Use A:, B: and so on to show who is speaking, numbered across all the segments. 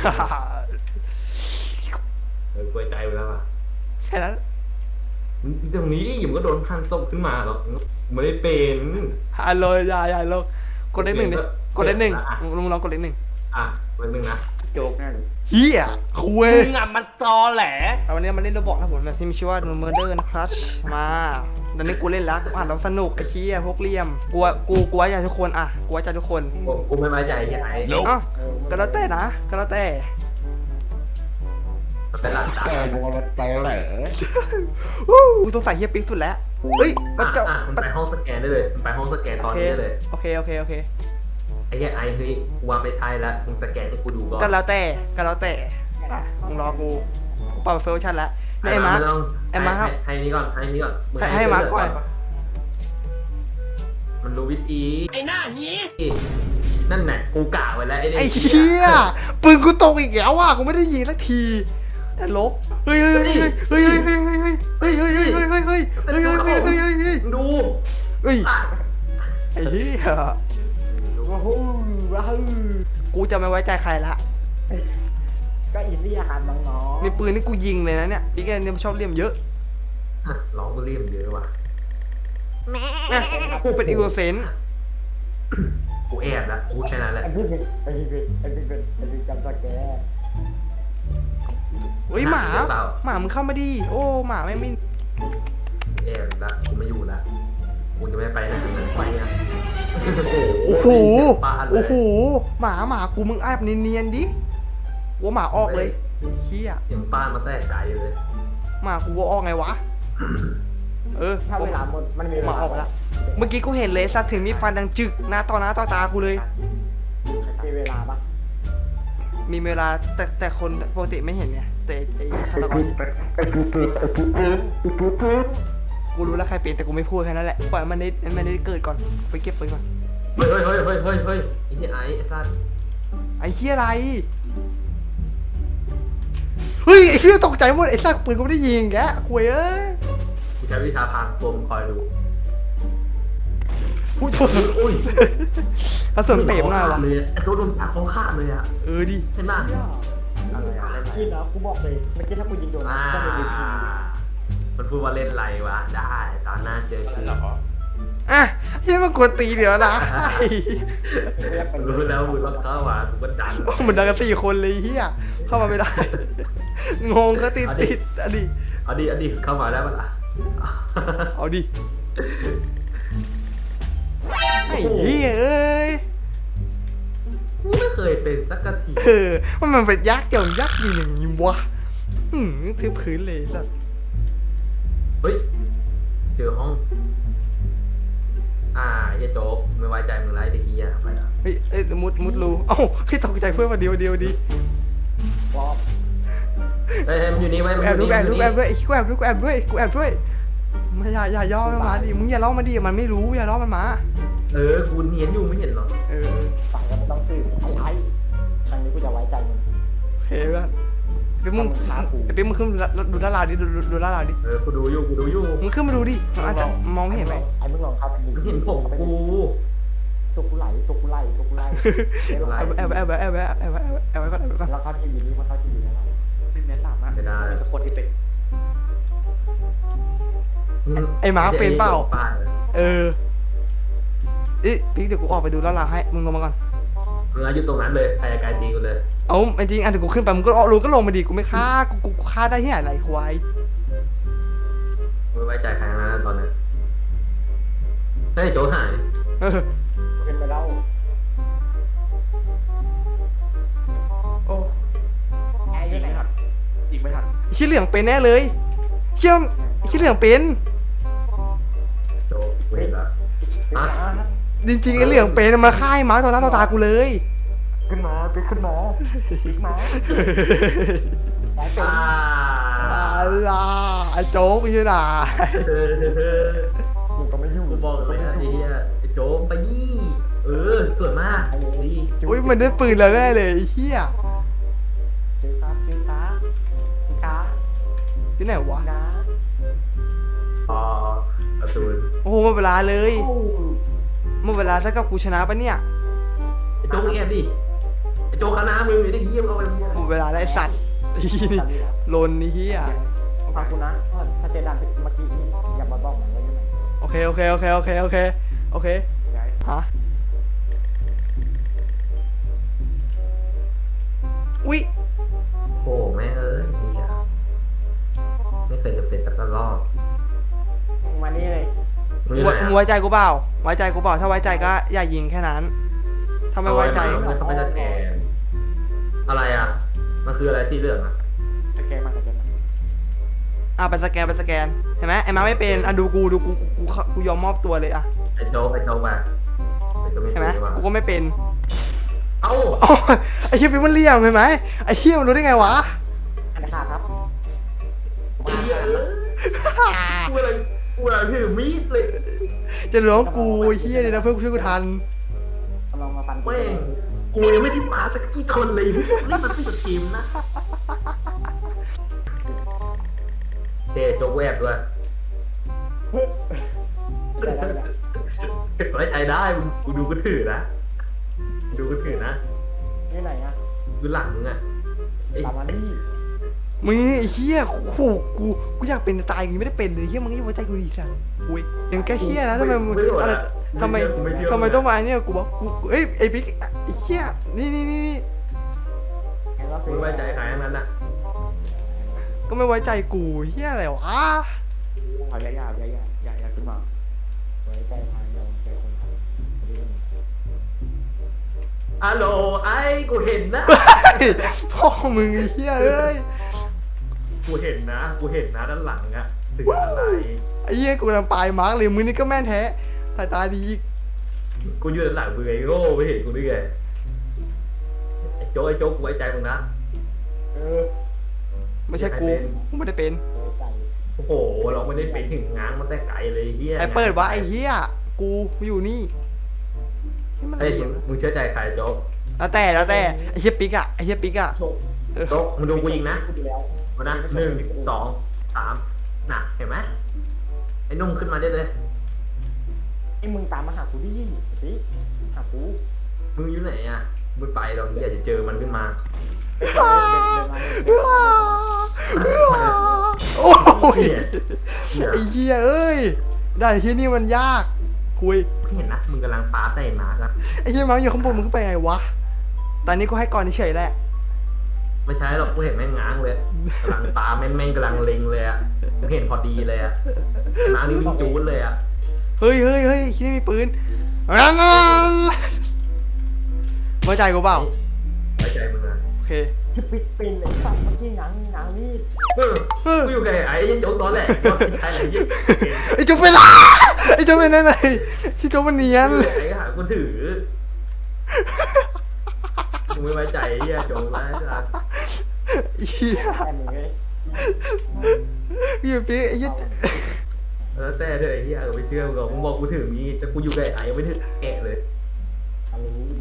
A: กลัวใจไปแล้วอ่ะ
B: แค่นั้น
A: ตรงนี้ดิมันก็โดนพังศพขึ้นมาหรอกไม่ได้เป็น
B: ฮัลโหลอย่าลงกดเลขหนึ่งดิกดเลขหนึ่งมึงลองกดเลขหนึ่ง
A: เลขหนึ่งนะ
C: โจกแน่เลย
B: เฮียคุย
C: มึงอ่ะมันตอแหล
B: วันนี้มาเล่นโรบอกนะผมแบบที่มีชื่อว่า Murder นะครับมาตอนนี้กูเล่นแล้วอ่านแล้วสนุกไอ้เฮียพวกเลี่ยมกูไว้ใจทุกคนอ่ะกูไว้ใจทุกคน
A: กูไม่ไว้ใจที่ไหน
B: อ้าวก็แล้วแต่นะก็แล้วแต่
A: เป็นหลัก
C: แต่โมรถตอแหล
B: กูต้องใส่เฮียปิ๊กสุดแล้วเฮ้ย
A: มันไปห้องสแกนได้เลยมันไปห้องสแกนตอนนี้ได้เลย
B: โอเค
A: ไอ้เหี้ยไอ้เฮ้ยกูว่าไม่ใช่แล้วมึงสแกนให้กูดูก่อน
B: ก็แล้วแต่มึงรอกูปรับเฟลชั่นแล้วไอ้มา
A: ให้นี่ก่อน
B: ให้มาก่อน
A: มันรู้วิธี
C: ไอ้หน้านี้
A: นั่นแหละกูกะไว้แล้ว
B: ไอ้เหี้ยปืนกูตกอีกแล้วอ่ะกูไม่ได้ยิงสักทีลบเฮ้ย
A: ดู
B: เฮ้ยไอ้เหี้ยกูจะไม่ไว้ใจใครละ
C: ก็อินดี้อาหารน้อง
B: ๆมีปืนนี่กูยิงเลยนะเนี่ยพี่แกเนี่ยชอบเลี่ยมเยอะ
A: ร้องก็เลี่ยมเยอะว่ะ
B: กูเป็นอีโกเซน
A: กูแอบนะกูแค่นั้นแหละ
C: ไอ้พี่จำสแก
B: เฮ้ยหมามึงเข้ามาดิโอ้หมาไม่มิน
A: แอบละกูไม่อยู่ละกูจะไม่ไปไหนไปนะ
B: โอ้โหหมากูมึงแอบเนียนๆดิว่าหมาออกเลยเชี่ย
A: อย่างป้ามาแตกใจเลย
B: หมากูว่าออกไงวะ
C: ถ้าเวลามันมี
B: หมาออกแล้วเมื่อกี้กูเห็นเลยสัตว์ถึงมีฟันดังจึกหน้าต่อตากูเลย
C: มีเวลาปะ
B: มีเวลาแต่คนปกติไม่เห็นไงแต่ไอ้ฆาตกรกูรู้แล้วใครเป็นแต่กูไม่พูดแค่นั้นแหละปล่อยมันได้เกิดก่อนไปเก็บปืนก่อน
A: เฮ้ยไอ้ที่ไอ้สัตว์
B: ไอ้เหี้ยอะไรเฮ้ยไอ้เหี้ยตกใจหมดไอ้สัตว์ปืนกูไม่ได้ยิงแกคุย
A: กูใช้วิชาพางตัวมึงคอยดู
B: อุ้ยกระสุนเป๋มหน่อยวะ
A: เลยไอ้ตัวโดนตัดเขาขาดเลยอ่ะ
B: ดิ
A: เห็นป่ะ
C: อะไรกินแล้วกูบอกเลยเมื่อกี้ถ้ากูยิงโดนก็ไม่ได้ยิง
A: มันพูดว่าเล่นไรวะได้ตอนหน้าเจอกันหรอ
B: ยังมากดตีเดี๋ยวนะ
A: รู้แล้วมึงต้องเข้ามามึงก็ดัน
B: มันดังกัน4 คนเลยเฮียเข้ามาไม่ได้งงก็ติดอ
A: ดีเข้ามาได้ปะล่ะ
B: เอาดิไอ้เหี้ยเอ้ย
A: ไม่เคยเป็นสักที
B: มันเป็นยักษ์เกี่ยวยักษ์อย่างนี้วะทึบพื้นเลยสัตว์
A: เฮ้ยเจอห้องเฮียโจ๊กไม่ไว้ใจมึงไรเด็กเฮียไปอ่ะ
B: เฮ้ยมุดรูเอ้าให้ตกใจเพื่อนมาเดียวดิ
A: มันอยู่นี่ไว้
B: แอบด้วยกูแอบด้วยไม่อย่าย่อมันมาดิมึงอย่าล้อมันดิมันไม่รู้อย่าล้อมันมา
A: กูเนียนอยู่ไม่เห็นหรอ
C: ฝั่งก็ไม่ต้องซื้อไอ้ครั้งนี้กูจะไว้ใจมึง
B: เฮ้ยเป็นมึงขึ้นดูด้านล่างดิดูด้านล่างดิ
A: กูดูอยู่
B: มึงขึ้นมาดูดิมันอาจจะมองไม่เห็นไหม
C: ไอ้มึงลองครับ
A: มึงเห็นผมกู
C: ตัวกูไล่
B: แอบไว้ก่อน
C: แล้วเขาทีวีนี้มันเข้าทีวีแล้วไม่แม้สามารถทุกคนที่เป็น
B: ไอ้หมาเป็นเปล่าพี่เดี๋ยวกูออกไปดูแล้วล่ะให้มึงลงมาก่อน
A: มึงอยู่ตรงนั้นเลยใครกายตีกูเลย
B: เอาจริงเดี๋ยวกูขึ้นไปมึงก็รู้ก็ลงมาดิกูไม่ฆ่ากูฆ่าได้ที่ไหนไรควาย
A: ไม่ไว้ใจใครนะตอนนี้เฮ้ยโจหาย
C: เป็นไปแล้วโอ้ไอ้ไหนครับอีกไม่ทัน
B: ชี้เหลืองเป็นแน่เลยชี้เหลืองเป็น
A: โจเห็นแล้ว
B: จริงไอ้เหลืองเป็นมาฆ่าไอ้หมาต่อหน้าต่อตากูเลย
C: ขึ้นมาไ
B: อ้โจ๊กไม่ใช่หรอ
C: กูก็ไม่ยุ่ง
A: กูบอกเลยนะไอ้โจ๊กไปนี่สวยมากดี
B: อุ้ยมันได้ปืนแล้วแน่เลยเฮีย
C: จืดตา
B: ที่ไหนวะ
A: ประตู
B: โอ้โหหมดเวลาเลยหมดเวลาถ้ากับกูชนะปะเนี่ย
A: ไอ้โจ๊กแอบดิไอ้โจ๊กคณะมึงไอ้เหี้ยเอาไป
B: เวลาได้สัตว์ไอ้เหี้ยนี่
C: ตัดดีแล้ว
B: ลนไอ้เหี้ย
C: ฟังกูนะถ้าเจดันเมื่อกี้นี่อย่ามาบอกมันไว้ยังไง
B: โอเคฮะอุ๊ย
A: โอ้แม่เอ้ยเหี้ยไม่เคยจะเป็นสักรอบ
C: มานี่เลย
A: มึงอยู่ไหน
B: มึง
A: อะ
B: ไว้ใจกูเปล่าไว้ใจกูเปล่าถ้าไว้ใจก็อย่ายิงแค่นั้นถ้าไม่ไว้ใจ
A: เขาไม่สแกนอะไรอ่ะมันคืออะไรที่เรื่องอ่ะ
C: สแกนมา
B: ไปสแกนเห็นไหมไอ้มาไม่เป็นดูกูยอมมอบตัวเลยอะ
A: ไอ้โจ๊กไปไอ้โจ๊กไม่
B: เห็นไหม
A: เป็นว่ะ
B: กูก็ไม่เป็น
A: เอ้า
B: อ๋อไอ้เชี่ยปิ๊กมันเหลี่ยมเห็นไหมไอ้เชี่ยมันรู้ได้ไงวะ
C: อันนี้ครับ
A: เหี้ยกูอะไรถือมีดเลย
B: จะร้องกูไอ้เฮียเลยนะเพื่อนช่วยกูทัน
C: กำลังมาฟัน
A: แม่งกูยังไม่ได้ปาสักกี่คนเลยนี่มันเป็นทีมนะเจ๊โจ๊กแวบด้วยไว้ใจได้กูดูกูถือนะดูกูถือนะ
C: นี่ไหนอ่ะ
A: ดูหลังมึงอ่ะไอ้
C: ตามมานี่
B: มึงไอ้เฮียโอ้โหกูอยากเป็นตายอย่างนี้ไม่ได้เป็นเลยเฮียมึงยังไว้ใจกูดีจังอุ้ยยังแค่เฮียนะทำไมมึงอะไรทำไมต้องมาเนี่ยกูบอกกูเอ้ยไอ้ปิ๊กไอ้เฮียนี่
C: แล้ว
A: กูไม่ไว้ใจใครทั้งนั้นอ่ะ
B: ก็ไม่ไว้ใจกูเฮียอะไรวะ
C: อย่าขึ้นมาไว้ใจทางเราใจคนทำ
A: ฮัลโหลไอ้กูเห็นนะ
B: พ่อมึงไอ้เฮียเอ้ย
A: กูเห็นนะด้านหลังอ่ะถึงอะไร
B: ไอ้เฮียกูกำลังปลายมาร์กเลยมึงนี่ก็แม่นแท้สายตาดีอีก
A: กูอยู่ด้านหลังมึงไอ้โง่ไม่เห็นกูได้ไงไอ้โจ๊กกูไว้ใจมึงนะ
B: ไม่ใช่กูไม่ได้เป็น
C: ไว้ใจ
A: โอ้โหเราไม่ได้เป็นถึงง้างมันแต่ไกลเลยเฮีย
B: ใครเปิดวะไอ้เฮียกูอยู่นี่ที่มัน
A: ไอ้
B: เหลี่ยม
A: มึงเชื่อใจใครโจ๊ก
B: แล้วแต่ไอ้เฮียปิ๊กอะ
C: โชค
A: โจ๊กมึงดูกูยิงนะ
C: กูดีแล้ว
A: มานะ1 2 3น่ะเห็นไหมไอ้นุ่มขึ้นมาได้เลย
C: ไอ้มึงตามมาหากูดิสิหากู
A: มึงอยู่ไหนอ่ะมึงไปเราเฮียจะเจอมันขึ้นมา
B: โอ้ย
A: เหี้ย
B: ไอ้เฮียเอ้ยได้ไอ้เฮียนี่มันยากคุย
A: เห็นนะมึงกำลังปาใส่มาครับ
B: ไอ้เฮียมาอยู่ข้างบนมึงขึ้นไปไงวะตอนนี้กูให้ก่อนเฉยๆแหละ
A: ไม่ใช่หรอกกูเห็นแม่งง้างเลยกำลังปาแม่งกำลังเล็งเลยอ่ะกูเห็นพอดีเลยอ่ะน้ำนี่วิ่งจูดเลยอ่ะ
B: เฮ้ยที่นี่มีปืนไว้ใจกูเปล่า
A: ไว้ใจมึงอ่ะ
B: โอเค
C: ปิดปินเลยสัตว์เมื่อกี้ง้างนี่
A: กูอยู่กับไอ้ยันโจ๊กตอนแรกว่าเป็นใครอะไรยี่
B: ไอ้จุ๊บเป็นไรไอ้จุ๊บเป็นอะไรที่จุ๊บมันเนียน
A: ไอ้ก็หากูถือมึงไม่ไว้ใจไอ้เหี้ยโจ๊กแล้วจ้ะ
B: เฮีย
C: แต่มึงเลย
B: พี่ปิ๊กไอ้เหี้ย
A: แล้วแต่เธอไอ้เหี้ยไม่เชื่อมึงหรอกมึงบอกกูถือมีแต่กูอยู่กับไอ้ยังไม่ถือแกะเลย
C: ทำรู้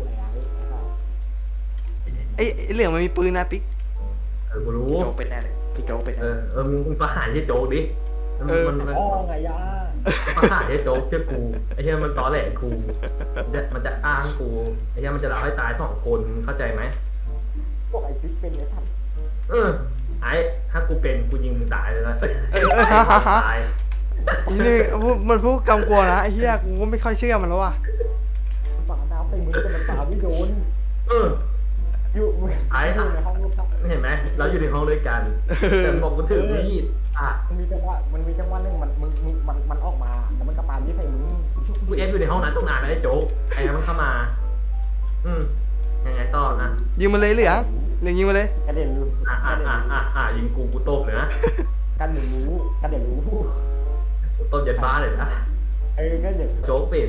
C: ไอ้
B: ไอ้เหลืองมันมีปืนนะปิ๊ก
A: กูรู้
C: โจ๊กเป็นแน่เลยพี่โจ๊กเป็น
A: มึงประหารไอ้โจ๊กดิมัน
C: อ๋อไงย่า
A: ประหารไอ้โจ๊กเชื่อกูไอ้เหี้ยมันตอแหลกูมันจะอ้างกูไอ้เหี้ยมันจะหลอกให้ตาย2 คนเข้าใจไหม
C: บอกไอ้ปิ๊กเป็นไอ้สัตว์
A: ไอ้ถ้ากูเป็นกูยิงมึงตายเลยนะตาย
B: นี่มันพูดกำกวนะไอ้เหี้ยกูก็ไม่ค่อยเชื่อมันแล้วว่ะ
C: ฝาดาวใส่มือแต่มันฝาไม่โดนอยู่ในห้องรูปภาพ
A: เห็นไหมเราอยู่ในห้องด้วยกันแต่บอกกูถือมีด
C: มันมีจังหวะนึงมันออกมาแล้วมันกระปาที่ใส่มือ
A: กูอยู่ในห้องนั้นตั้งนานแล้วไอ้โจ๊กไอ้มันเข้ามายังไงต่อนะ
B: ยิงมันเลยเหลืองยิงมันเลย
C: กระเด็นรู้
A: ยิงกูตบเลยนะ
C: กระเด็นรู้
A: กูตบยันบ้าเลยนะ
C: ก็เด็น
A: โจ๊กเป็น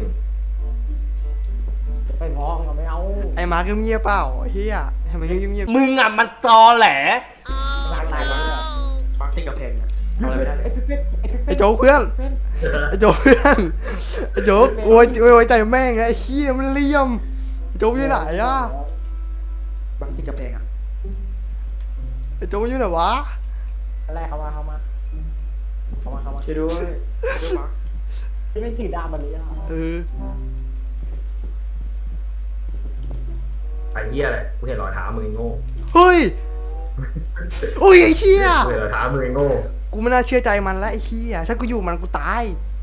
C: จะไปง้อเราไม่เอา
B: ไอ้มาร์คเงียบเปล่าเฮียทำไมเงียบ
D: มึงอ่ะมันตอแหล
C: ร้านไหนบ้างเนี่ย
D: ฟังที่กับเพลงเอาอะไรไม่ได้
B: ไอ้โจ๊กเพื่อนไอ้โจ๊กเพื่อนไอ้โจ๊กโอ้ยไว้ใจแม่งไอ้เหี้ยมันเลี่ยมไอ้โจ๊กอยู่ไหนอะ
D: ฟังที่กับเพลงอ่ะ
B: ไอ้โจ๊กอยู่ไหนวะ
C: อะไรเข้ามา
D: ช่วยด้วยมาร์ค
C: ที่ไม่ถือดาบมันเลยอ่ะ
A: ไปเหี้ยอะไรกูเห็นรอยเท้ามึงโง่
B: เฮ้ยอุ้ยไอ้เหี้ย
A: เหลือท้ามือโง่
B: กูไม่น่าเชื่อใจมันแล้วไอ้เหี้ยถ้ากูอยู่มันกูตาย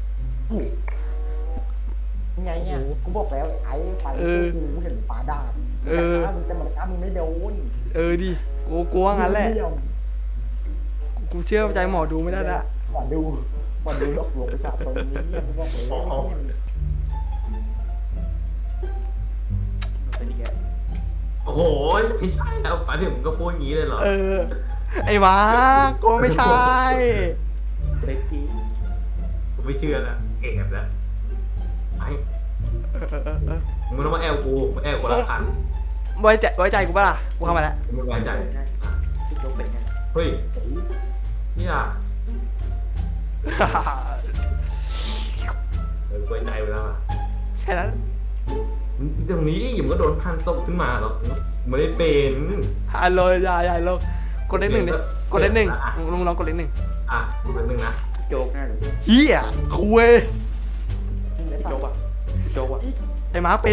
C: ไงเนี่ยกูบอกแล้วไอ้ไฟกูเห็นปลาดาบมึงจะมาฆ่ามึงไม่โดน
B: ดิกูกลัวงั้นแหละกูเชื่อใจหมอดูไม่ได้ละ
C: ก่อนดูหลอกลวงประชาชนนี้กูบอกเลย
D: เป็นยังไง
A: โอ้โหไม่ใช่แล้วป๋าถึงก็พูดอย่างนี้เลยเหรอ
B: ไอ้มากูไม่ใช่
D: เล็กกี้
A: ผมไม่เชื่อแล้วเก็บแล้วไอ้มึงต้องมาแอลกูมาแอลคนละพัน
B: ไว้ใจกูป่ะล่ะกูเข้ามาแล้ว
A: มึงไม่ไว้ใจ
D: ที่โจ๊กเป็นยังไง
A: เฮ้ยเนี่ยไว้ใจไปแล้วอ่ะ
B: แค่นั้น
A: ตรงนี้ดิมึงก็โดนพันศพขึ้นมาหรอกไม่ได้เป็น
B: ฮัลโหลอย่าลงกดเลขหนึ่งดิกดเลขหนึ่งมึงลองกดเลขหนึ่ง
A: อ่ะเป็นหนึ่งนะ
D: โจ๊กน่าหรือ
B: เหี้ยคุย
D: โจ๊กอ่ะโจ๊กอ่ะ
B: ไอ้มาเป็น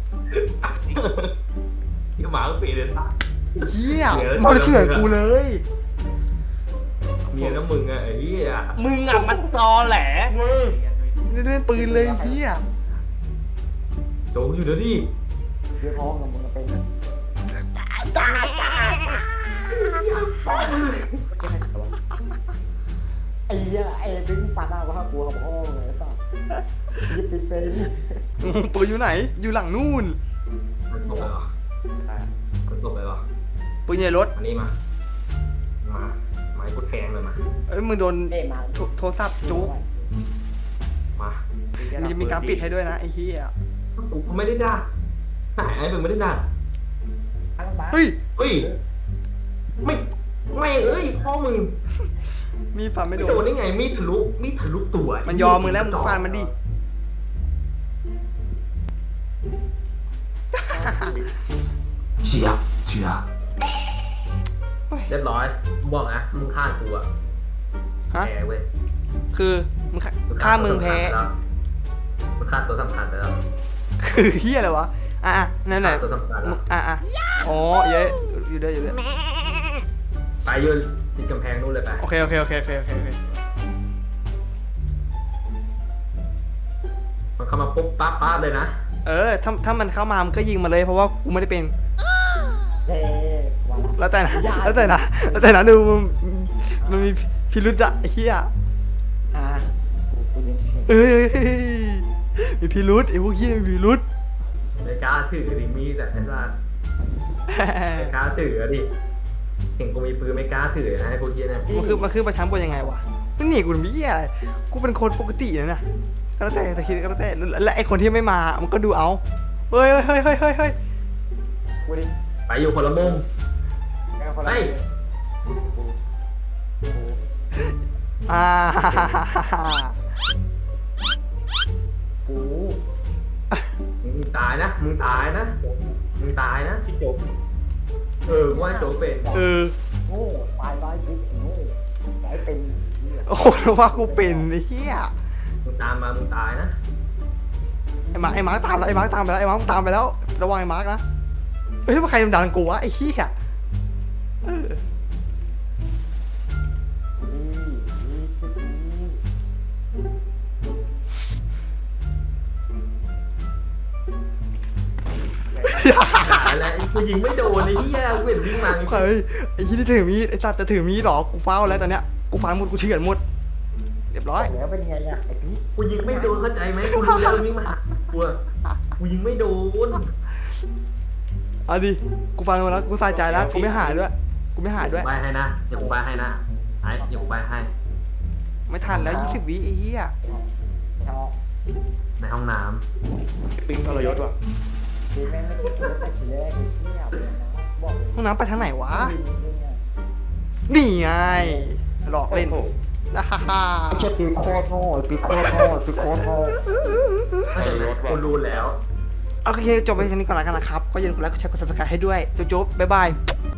A: ที่หมาก็เปลี่ยนเลยตา
B: เหี้ยมาเถื่อนกูเลย
A: เมียน้ำมึงอะไอ้เหี้ย
E: มึงอ่ะมันตอแหล
B: เล่นปืนเลยเหี้ย
A: โจอยู่เดี๋ยวดิ
C: เรื่องท้องกับมึงเป็นไอ้เหี้ยไอ้ดึงปลาดาบว่ากูกับพ่อเลยป่ะยิบเป็น
B: ปืนอยู่ไหนอยู่หลังนู่น
A: มันตกเลยเหรอมันตกเลยเหรอ
B: ปืนใหญ่รถ
A: อันนี้มาไม้กดแทงเลยมา
B: มึงโดน
C: เอ้มา
B: โทรศัพท์จุก
A: มา
B: มีการปิดให้ด้วยนะไอ้เหี้ย
A: กูไม่ได้ด่าไหนไอ้มึงไม่ได้ด่า
B: เฮ้ย
A: เฮ้ยไม่เอ้ยพ่อมึง
B: มีฟันไม่
A: ไม่
B: โด
A: โดน
B: น
A: ได้ไงมีดทะลุตัว
B: มันยอมมึงแล้วมึงฟันมันดิ
A: เชียเรียบร้อยบอกนะมึงฆ่ากูอะ
B: ฮะ
A: แพ้เว้ย
B: คือมึงฆ่ามึงแพ้
A: มึงฆ่าตัวสำคัญไปแล้ว
B: คือเฮียอะไรวะ นั่นไหน
A: ฆ่าตัวสำคัญแล้ว
B: อ๋อเยอะอยู่ด้วย
A: ไปยืนติดกำแพงนู่นเลยไป
B: โอเค
A: มันเข้ามาปุ๊บปั๊บเลยนะ
B: ถ้ามันเข้ามามันก็ยิงมาเลยเพราะว่ากูไม่ได้เป็น
C: เฮ้วันละ
B: แล้วแต่นะดูมันมีพิรุษอะไอ้เฮีย
C: กูยิง
B: มีพิรุษไอ้พวกเฮียมีพิรุษ
A: ในกล้าถือดิมีแต่ไอ้สัสในกล้าถือดิเห็นกูมีปืนไม่กล้าถือนะไอ้พวกเฮียเนี่ย
B: มันคือประชันบนยังไงวะมึงหนีกูหรือเฮียอะไรกูเป็นคนปกตินะก็แล้วแต่คิดก็แล้วแต่และไอ้คนที่ไม่มามันก็ดูเอาเฮ้ย
C: กูดิ
A: ไปอยู่คนละมุม
C: เฮ้ย กู
A: มึงตายนะมึงตายนะ
D: ที่โจ๊ก
A: ว่าโจเป็น
C: โง่ตายกูโง่ไอ้เป็น
B: โอ้โหว่ากูเป็นไอ้เหี้ย
A: มึงตามมามึงตายนะ
B: ไอ้มาร์คตามแล้วไอ้มาร์คตามไปแล้วระวังไอ้มาร์คนะเฮ้ยว่าใครดันกูวะไอ้เหี้ย
A: แล้วกูยิงไม่โดนไอ้เหี้ยกูเห็นวิ่งมา
B: เฮ้ยไอ้เหี้ยที่ถือมีดไอ้สัตว์จะถือมีดหรอกูเฝ้าแล้วตอนเนี้ยกูฟันหมดกูเฉือนหมดเรียบร้อย
C: แล้วเป็นไงอ่ะไอ้พี่
A: กูยิงไม่โดนเข้าใจไหมกูรู้แล้ววิ่งมาหากูยิงไม่โดน
B: เอาดิกูฟันหมดแล้วกูใส่ใจแล้วกูไม่หายด้วย
A: ใบให้นะเดี๋ยวกูใบให้นะไอ้เดี๋ยวกูใบให้
B: ไม่ทันแล้ว20 วิไอ้เหี้ย
C: ชอบ
A: ในห้องน้
D: ปิ้งทรยศว่ะ
C: คือแม่ไม่คิดว่าจะเชื่อไอ้เชี่ยบอกเลย
B: ห้องน้ำไปทางไหนวะนี่ไงหลอกเล่นฮ่าฮ่า
C: ไอ้เชี่ยปีโคตรโง่ปีโคตรโง่
A: ำกูรู้แล้ว
B: โอเคจบไปทีนี้ก่อนแล้วกันนะครับก็อย่าลืมกดไลค์กดแชร์กด subscribe ให้ด้วยจุ๊บบ๊ายบาย